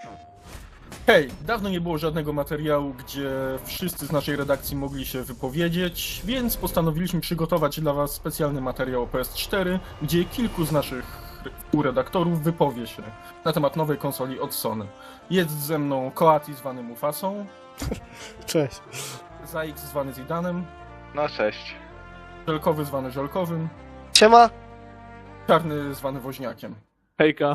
Hej, dawno nie było żadnego materiału, gdzie wszyscy z naszej redakcji mogli się wypowiedzieć, więc postanowiliśmy przygotować dla Was specjalny materiał o PS4, gdzie kilku z naszych redaktorów wypowie się na temat nowej konsoli od Sony. Jest ze mną Koati zwany Mufasą, Cześć. Zaix zwany Zidanem, No cześć. Żelkowy zwany Żelkowym, Siema. Czarny zwany Woźniakiem. Hejka.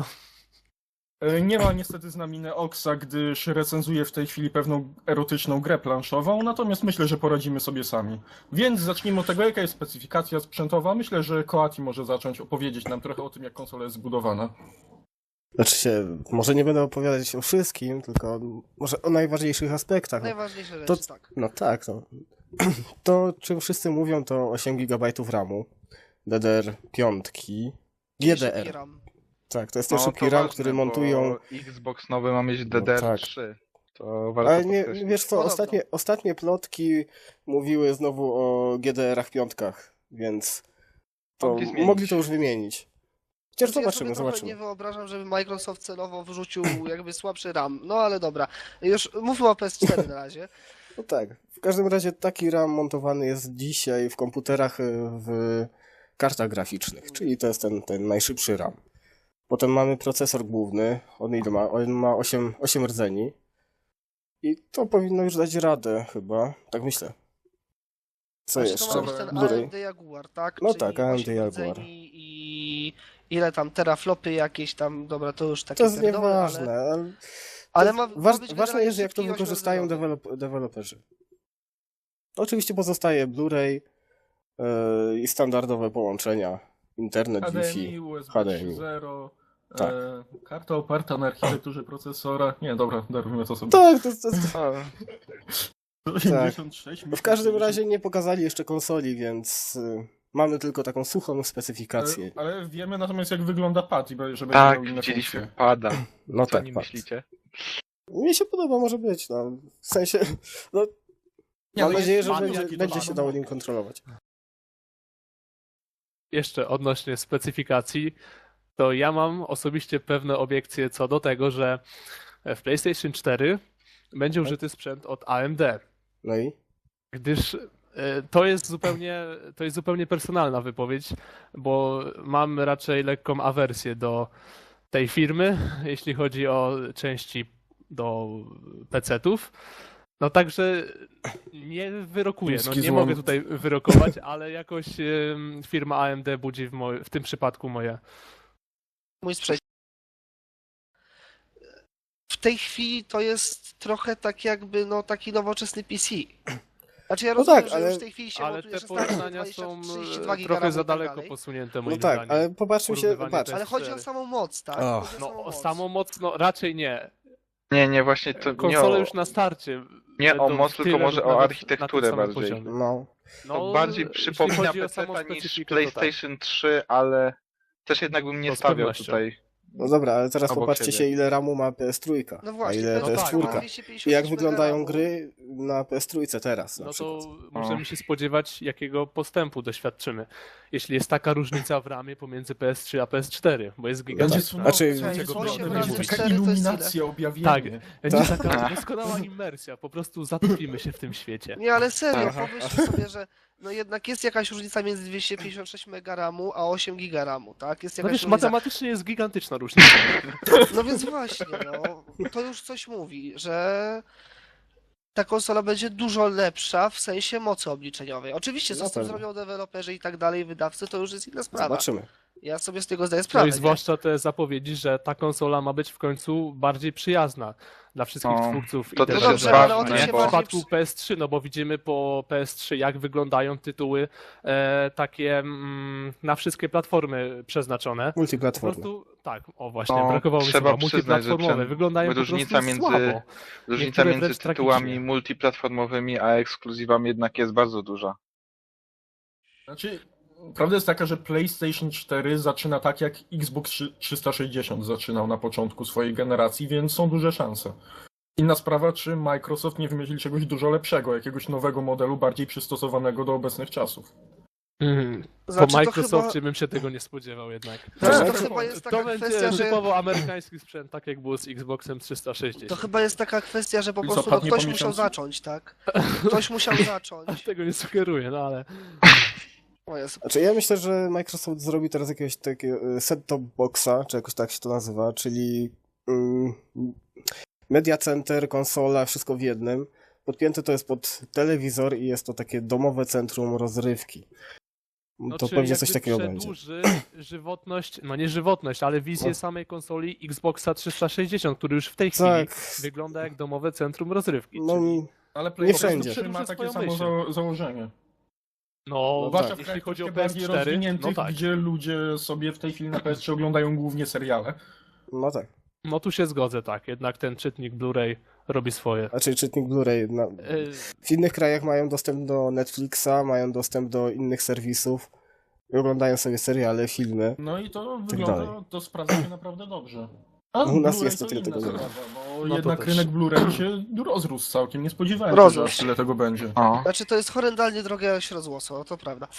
Nie ma niestety z nami Neoxa, gdyż recenzuje w tej chwili pewną erotyczną grę planszową, natomiast myślę, że poradzimy sobie sami. Więc zacznijmy od tego, jaka jest specyfikacja sprzętowa. Myślę, że Koati może zacząć opowiedzieć nam trochę o tym, jak konsola jest zbudowana. Znaczy się, może nie będę opowiadać o wszystkim, tylko może o najważniejszych aspektach. Najważniejsze To- rzeczy, tak. No tak, no. To, czym wszyscy mówią, to 8 GB RAMu, DDR5, GDR. RAM. Tak, to jest ten No, szybki to RAM, ważne, który bo montują... Xbox nowy ma mieć DDR3. To warto Ale nie, podkreślić. wiesz co, Podobno. ostatnie plotki mówiły znowu o GDR-ach piątkach, więc to Mogli zmienić. mogli to już wymienić. Chociaż Ja sobie zobaczymy, trochę zobaczymy. nie wyobrażam, żeby Microsoft celowo wrzucił jakby słabszy RAM. No ale dobra. Już mówmy o PS4 na razie. No tak, w każdym razie taki RAM montowany jest dzisiaj w komputerach w kartach graficznych, czyli to jest ten najszybszy RAM. Potem mamy procesor główny, on ile ma? On ma 8 rdzeni i to powinno już dać radę chyba, tak myślę. Co Znaczy, jeszcze? To ma być ten Blu-ray. AMD Jaguar, tak? No Czyli tak, AMD 8 Jaguar. rdzeni i ile tam teraflopy jakieś tam, dobra, to już takie To jest pierdoły, nieważne, ale ma być ważne generalnie jest, jak to szybki wykorzystają ośmiordzeniowy. deweloperzy. Oczywiście pozostaje Blu-ray i standardowe połączenia, internet, HDMI, Wi-Fi, USB HDMI. 3.0, Tak. karta oparta na architekturze procesora. Nie, dobra, darujmy to sobie. Tak, O, 86, w każdym razie nie pokazali jeszcze konsoli, więc mamy tylko taką suchą specyfikację. Ale wiemy natomiast, jak wygląda pad, żeby będzie tak, miał inne widzieliśmy funkcje. pada. No Co tak, o nim fakt. myślicie? Mnie się podoba, może być, no. W sensie, no, Nie, mam no nadzieję, jest że pad, będzie, jaki to będzie ma, się no. dało nim kontrolować. Jeszcze odnośnie specyfikacji, to ja mam osobiście pewne obiekcje co do tego, że w PlayStation 4 będzie użyty sprzęt od AMD, No i? gdyż to jest zupełnie personalna wypowiedź, bo mam raczej lekką awersję do tej firmy, jeśli chodzi o części do PC-ów. No także nie wyrokuję, no Chiński nie złom. mogę tutaj wyrokować, ale jakoś firma AMD budzi w tym przypadku moje. Mój sprzeciw. W tej chwili to jest trochę tak jakby, no taki nowoczesny PC. Znaczy ja No rozumiem, tak, że ale- już w tej chwili się Ale montuje te 16, porównania 20, są 32 giga trochę ramu za i tak daleko dalej. posunięte No moim tak, zdaniem. ale popatrzmy się, Porównywanie patrz. Ale chodzi o PS4. samą moc, tak? Och. Chodzi o No samą moc. samą moc, no raczej nie. Nie, właśnie to nie Konsole o, już na starcie. nie o będą moc, w tylko tyle może lub o nawet architekturę na tym samym bardziej. poziomie. No, To bardziej jeśli przypomina chodzi o samą PC niż specyfikę, to tak. PlayStation 3, ale też jednak bym nie To z stawiał pewnością. tutaj. no dobra, ale teraz Obok popatrzcie siebie. się, ile RAMu ma PS3, No a właśnie, ile to no jest tak, PS4. 256 I jak wyglądają mega gry na PS3 teraz na No przykład. to możemy się spodziewać, jakiego postępu doświadczymy. Jeśli jest taka różnica w ramie pomiędzy PS3 a PS4, bo jest Będzie gigantyczna. Znaczy, słuchajcie, czego będzie osiem razy mówić. taka 4 to jest iluminacja, objawienie. Tak, będzie Tak. taka doskonała immersja, po prostu zatopimy się w tym świecie. Nie, ale serio, Aha. pomyśl sobie, że no jednak jest jakaś różnica między 256 mega ramu a 8 giga ramu, tak? Jest No jakaś wiesz, różnica. matematycznie jest gigantyczna różnica. No więc właśnie, no, to już coś mówi, że ta konsola będzie dużo lepsza w sensie mocy obliczeniowej. Oczywiście, co Na z tym pewno. zrobią deweloperzy i tak dalej, wydawcy, to już jest inna sprawa. Zobaczymy. Ja sobie z tego zdaję No sprawę. i zwłaszcza te zapowiedzi, że ta konsola ma być w końcu bardziej przyjazna dla wszystkich No, twórców to i też też No jest dobrze, ale o ważne, tym się w bo- bardziej przypadku PS3, no bo widzimy po PS3, jak wyglądają tytuły takie na wszystkie platformy przeznaczone. Po Multiplatformy. prostu, tak, o właśnie, No, brakowało mi trzeba słowa, przyznać, że multiplatformowe, wyglądają po różnica prostu między- słabo. Różnica Niektóre między wręcz tytułami tragicznie. multiplatformowymi a ekskluzywami jednak jest bardzo duża. Znaczy, prawda jest taka, że PlayStation 4 zaczyna tak, jak Xbox 360 zaczynał na początku swojej generacji, więc są duże szanse. Inna sprawa, czy Microsoft nie wymyśli czegoś dużo lepszego, jakiegoś nowego modelu, bardziej przystosowanego do obecnych czasów. Po Znaczy, to Microsoftie chyba- bym się tego nie spodziewał jednak. Znaczy, to Tak. chyba jest taka To będzie kwestia, że... typowo amerykański sprzęt, tak jak było z Xboxem 360. To chyba jest taka kwestia, że po I co, prostu no, padnie ktoś po musiał miesiącu? zacząć, tak? Ktoś musiał zacząć. Tego nie sugeruję, no ale... O Jezu. Znaczy ja myślę, że Microsoft zrobi teraz jakiegoś takiego set-top boxa, czy jakoś tak się to nazywa, czyli media center, konsola, wszystko w jednym. Podpięte to jest pod telewizor i jest to takie domowe centrum rozrywki. No, To czyli pewnie coś jakby takiego będzie. przedłuży żywotność, no nie żywotność, ale wizję No. samej konsoli Xboxa 360, który już w tej chwili Tak, wygląda jak domowe centrum rozrywki. no czyli... Ale Nie PlayStation wszędzie. 3 ma takie Swoją samo myśl. założenie. No, Zwłaszcza w jeśli krajach chodzi o troszkę bardziej PS4, rozwiniętych, no tak. gdzie ludzie sobie w tej chwili na PS3 oglądają głównie seriale. no tak. No tu się zgodzę, tak. Jednak ten czytnik Blu-ray robi swoje. Znaczy czytnik Blu-ray. W innych krajach mają dostęp do Netflixa, mają dostęp do innych serwisów i oglądają sobie seriale, filmy. No i to Tak wygląda, dalej. to sprawdza się naprawdę dobrze. A U nas Blu-ray niestety to tego inna nie ma. sprawa, bo No to jednak też. rynek Blu-ray się rozrósł całkiem. Nie spodziewałem się, że Rozrósł. aż tyle tego będzie. O. Znaczy, to jest horrendalnie drogie śródłosło, to prawda.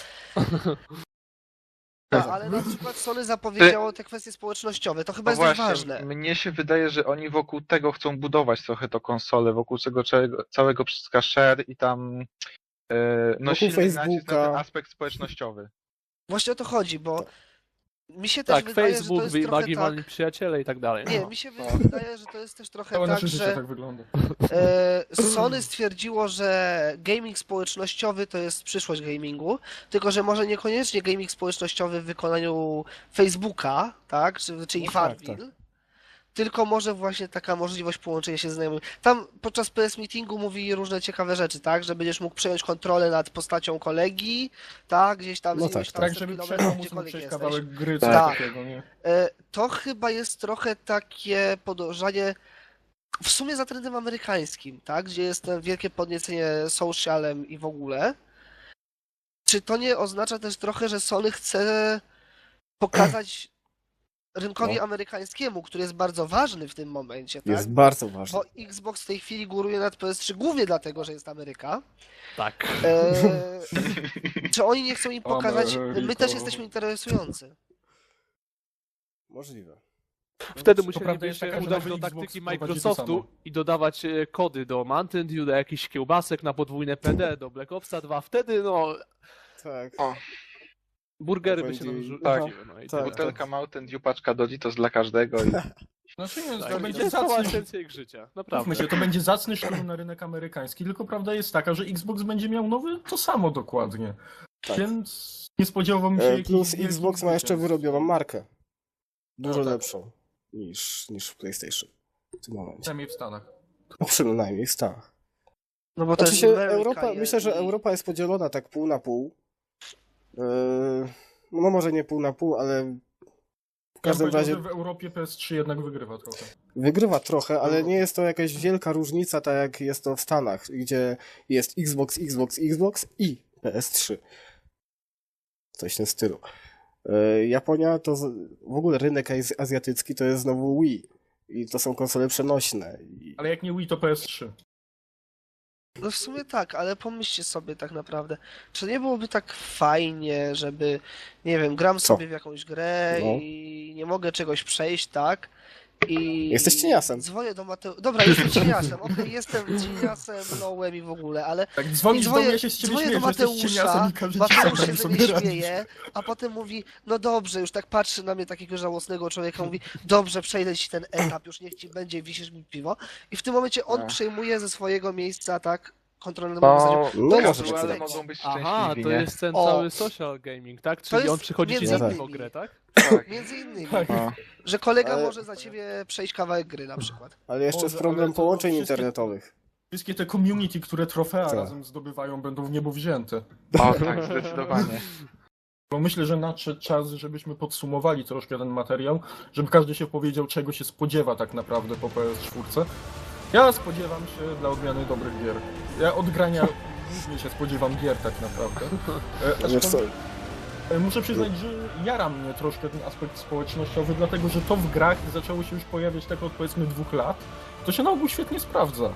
Ale na przykład Sony zapowiedziało te kwestie społecznościowe, to chyba No jest dość właśnie, ważne. mnie się wydaje, że oni wokół tego chcą budować trochę to konsolę, wokół tego całego wszystkiego share i tam no Wokół silny nacisk na Facebooka. ten aspekt społecznościowy. Właśnie o to chodzi, bo mi się też Tak, wydaje, Facebook, że to jest trochę magiwalni tak... przyjaciele i tak dalej. Nie, No. mi się wydaje, że to jest też trochę Całe tak, nasze życie że tak wygląda. Sony stwierdziło, że gaming społecznościowy to jest przyszłość gamingu, tylko że może niekoniecznie gaming społecznościowy w wykonaniu Facebooka, tak, czyli No tak, Farmville, tylko może właśnie taka możliwość połączenia się z znajomymi. Tam podczas PS Meetingu mówi różne ciekawe rzeczy, tak, że będziesz mógł przejąć kontrolę nad postacią kolegi, tak, gdzieś tam z No iluś tak, tam Tak, 100 żeby kilometrów, przejść, móc gdziekolwiek przejść jesteś. kawałek gry, Tak. coś takiego, nie? To chyba jest trochę takie podążanie w sumie za trendem amerykańskim, tak? Gdzie jest to wielkie podniecenie socialem i w ogóle. Czy to nie oznacza też trochę, że Sony chce pokazać rynkowi No. amerykańskiemu, który jest bardzo ważny w tym momencie, tak? Jest bardzo ważne. Bo Xbox w tej chwili góruje nad PS3 głównie dlatego, że jest Ameryka. Tak. Czy oni nie chcą im pokazać, my Ameryko. też jesteśmy interesujący. Możliwe. Wtedy To musieliby prawda jest się taka, że udać nowy do Xbox taktyki wprowadzi to Microsoftu samo. i dodawać kody do Mountain Dew, do jakichś kiełbasek na podwójne PD, do Black Opsa 2. Wtedy no Tak. burgery by Będzie- się nam tak, rzuciły. No i tak. tyle. Butelka Mountain Dew, paczka Doritos dla każdego i Znaczy nie, Tak, to i będzie to jest cała zacny, esencja ich życia. Naprawdę. mówmy się, to będzie zacny szturm na rynek amerykański, tylko prawda jest taka, że Xbox będzie miał nowy to samo dokładnie. Tak. Więc nie spodziewałbym się jakichś Plus wielkich Xbox ma jeszcze zwycięstw. wyrobioną markę. Dużo No tak. lepszą niż PlayStation w tym momencie. Przynajmniej w Stanach. No przynajmniej w Stanach. No bo to Znaczy jest się Ameryka Europa, myślę, że i- Europa jest podzielona tak pół na pół. No może nie pół na pół, ale w każdym Ja bym powiedział, razie że w Europie PS3 jednak wygrywa trochę. wygrywa trochę, ale nie jest to jakaś wielka różnica, tak jak jest to w Stanach, gdzie jest Xbox i PS3. Coś w tym stylu. Japonia to w ogóle rynek azjatycki to jest znowu Wii. I to są konsole przenośne. Ale jak nie Wii, to PS3. No w sumie tak, ale pomyślcie sobie tak naprawdę, czy nie byłoby tak fajnie, żeby, nie wiem, gram Co? sobie w jakąś grę No. i nie mogę czegoś przejść, tak? I Jesteś cieniasem. dzwonię do Mateusza. Dobra, jestem cieniasem, okej, jestem cieniasem, nołem i w ogóle, ale Tak, dzwonisz do mnie, ja się z ciebie dzwonię śmieję, do że jesteś cieniasem Mateusza, i każe ci Mateusz sam się ze sobie mnie radzić. śmieje, a potem mówi, no dobrze, już tak patrzy na mnie takiego żałosnego człowieka, mówi, dobrze, przejdę ci ten etap, już niech ci będzie, wisisz mi piwo. I w tym momencie on Ach. przejmuje ze swojego miejsca, tak, kontrolę nad moim zasadzie. no, No no może ale tak. mogą być Aha, szczęśliwi, to nie? jest ten O. cały social gaming, tak? Czyli jest on przychodzi ci między za innymi. o grę, tak? Tak. Między innymi, Tak. No. że kolega Ale- może za ciebie przejść kawałek gry na przykład. Ale jeszcze jest Boże, problem ale to połączeń wszystkie- internetowych. Wszystkie te community, które trofea Tak. razem zdobywają, będą w niebo wzięte. O tak, zdecydowanie. Bo myślę, że nadszedł czas, żebyśmy podsumowali troszkę ten materiał, żeby każdy się powiedział, czego się spodziewa tak naprawdę po PS4. Ja spodziewam się dla odmiany dobrych gier. Ja od grania głównie się spodziewam gier tak naprawdę. Wiesz co, Muszę przyznać, że jara mnie troszkę ten aspekt społecznościowy, dlatego że to w grach zaczęło się już pojawiać tak od powiedzmy 2 lat. To się na ogół świetnie sprawdza.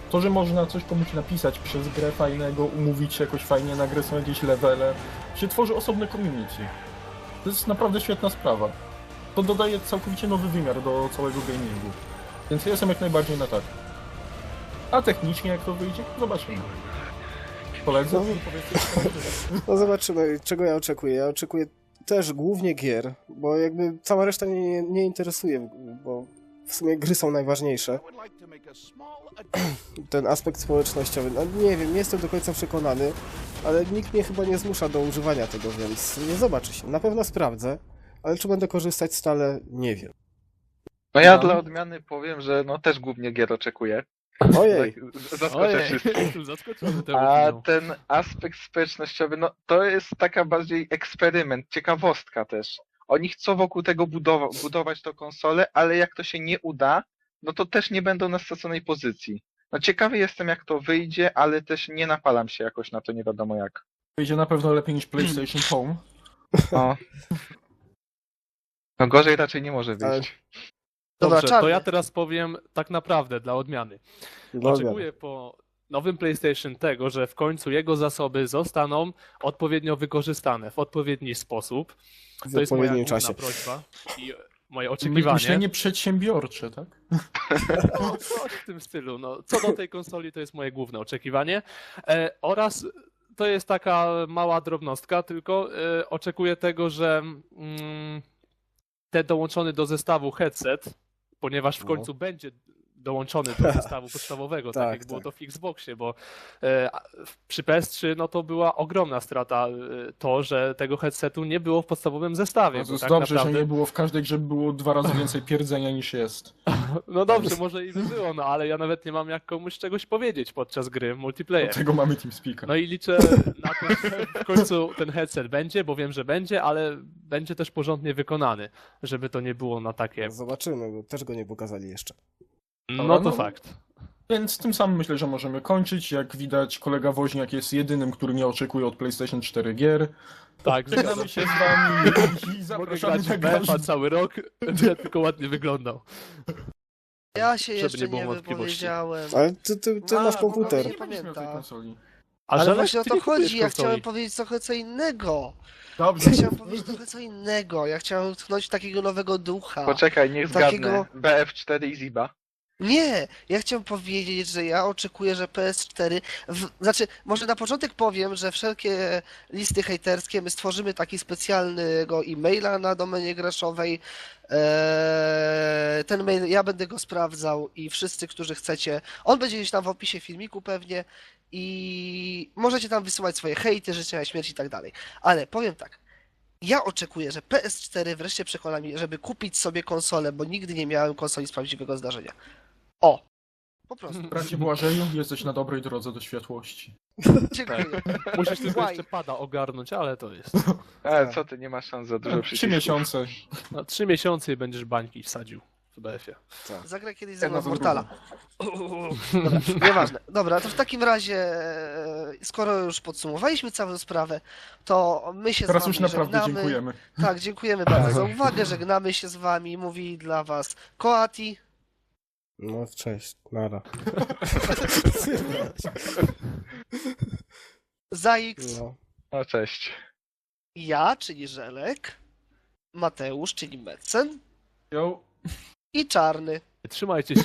To, że można coś komuś napisać przez grę fajnego, umówić się jakoś fajnie na grę, są jakieś levele, się tworzy osobne community. To jest naprawdę świetna sprawa. To dodaje całkowicie nowy wymiar do całego gamingu. Więc ja jestem jak najbardziej na tak. A technicznie jak to wyjdzie, zobaczymy. Koledzy? No. Powiedzcie, No zobaczymy, czego ja oczekuję. Ja oczekuję też głównie gier, bo jakby cała reszta mnie nie interesuje, bo w sumie gry są najważniejsze. Ten aspekt społecznościowy, no nie wiem, nie jestem do końca przekonany, ale nikt mnie chyba nie zmusza do używania tego, więc nie zobaczy się. Na pewno sprawdzę, ale czy będę korzystać stale, nie wiem. No ja No. dla odmiany powiem, że no też głównie gier oczekuję. Ojej, Tak, zaskoczę Ojej, wszystkich. jestem zaskoczony tą A opinią. ten aspekt społecznościowy, no to jest taka bardziej eksperyment, ciekawostka też. Oni chcą wokół tego budować tą konsolę, ale jak to się nie uda, no to też nie będą na straconej pozycji. No ciekawy jestem jak to wyjdzie, ale też nie napalam się jakoś na to nie wiadomo jak. wyjdzie na pewno lepiej niż PlayStation Home. No, no gorzej raczej nie może Ale- wyjść. Dobra, Dobrze, to Czarny. ja teraz powiem tak naprawdę dla odmiany. dobra. Oczekuję po nowym PlayStation tego, że w końcu jego zasoby zostaną odpowiednio wykorzystane w odpowiedni sposób. W To jest moja odpowiednim główna czasie. prośba i moje oczekiwanie. Myślenie przedsiębiorcze, tak? No, coś w tym stylu. No, co do tej konsoli, to jest moje główne oczekiwanie. Oraz to jest taka mała drobnostka, tylko oczekuję tego, że ten dołączony do zestawu headset, ponieważ w No. końcu będzie dołączony do zestawu podstawowego, tak Tak, jak było tak. to w Xboxie, bo przy PS3 no to była ogromna strata to, że tego headsetu nie było w podstawowym zestawie. To bo jest tak dobrze, naprawdę... że nie było w każdej grze, było 2 razy więcej pierdzenia niż jest. No dobrze, może i by było, no ale ja nawet nie mam jak komuś czegoś powiedzieć podczas gry multiplayer. Dlatego mamy TeamSpeaka. No i liczę na to, że w końcu ten headset będzie, bo wiem, że będzie, ale będzie też porządnie wykonany, żeby to nie było na takie... Zobaczymy, bo też go nie pokazali jeszcze. No to no. fakt. Więc tym samym myślę, że możemy kończyć. Jak widać, kolega Woźniak jest jedynym, który nie oczekuje od PlayStation 4 gier. Tak, Żegnamy się z wami i mogę zapraszamy grać na w BF-a każdy... cały rok, ja tylko ładnie wyglądał. Ja się Żeby jeszcze nie było nie wątpliwości. wypowiedziałem. Ale ty A, masz bo komputer. nie Nie będziesz miał tej pamiętam. konsoli. A Ale Żelek, właśnie o ty to nie kupujesz chodzi, ja konsoli. chciałem powiedzieć trochę co innego. Dobrze. Ja chciałem powiedzieć trochę co innego. Ja chciałem tknąć takiego nowego ducha. Poczekaj, niech Takiego- zgadnę. BF4 i Ziba. Nie, ja chciałem powiedzieć, że ja oczekuję, że PS4. Znaczy, może na początek powiem, że wszelkie listy hejterskie my stworzymy taki specjalnego e-maila na domenie graszowej. Ten mail, ja będę go sprawdzał i wszyscy, którzy chcecie. On będzie gdzieś tam w opisie filmiku pewnie i możecie tam wysyłać swoje hejty, życzenia śmierci i tak dalej. Ale powiem tak. Ja oczekuję, że PS4 wreszcie przekona mnie, żeby kupić sobie konsolę, bo nigdy nie miałem konsoli z prawdziwego zdarzenia. O! Po prostu. Bracie Błażeju, jesteś na dobrej drodze do światłości. Dziękuję. Musisz tylko Why? jeszcze pada ogarnąć, ale to jest. Co ty, nie masz szans za dużo 3 przycisków. miesiące. Na 3 miesiące i będziesz bańki wsadził w BF-ie. Zagraj kiedyś ze mną Jedna w za Mortala. Dobra, nieważne. Dobra, to w takim razie, skoro już podsumowaliśmy całą sprawę, to my się Teraz z wami już naprawdę żegnamy. dziękujemy. Tak, dziękujemy bardzo za uwagę, żegnamy się z wami, mówi dla was Koati. No cześć, nara. Zaix, No. No cześć. ja, czyli Żelek, Mateusz, czyli Meccen Yo. i Czarny. Trzymajcie się.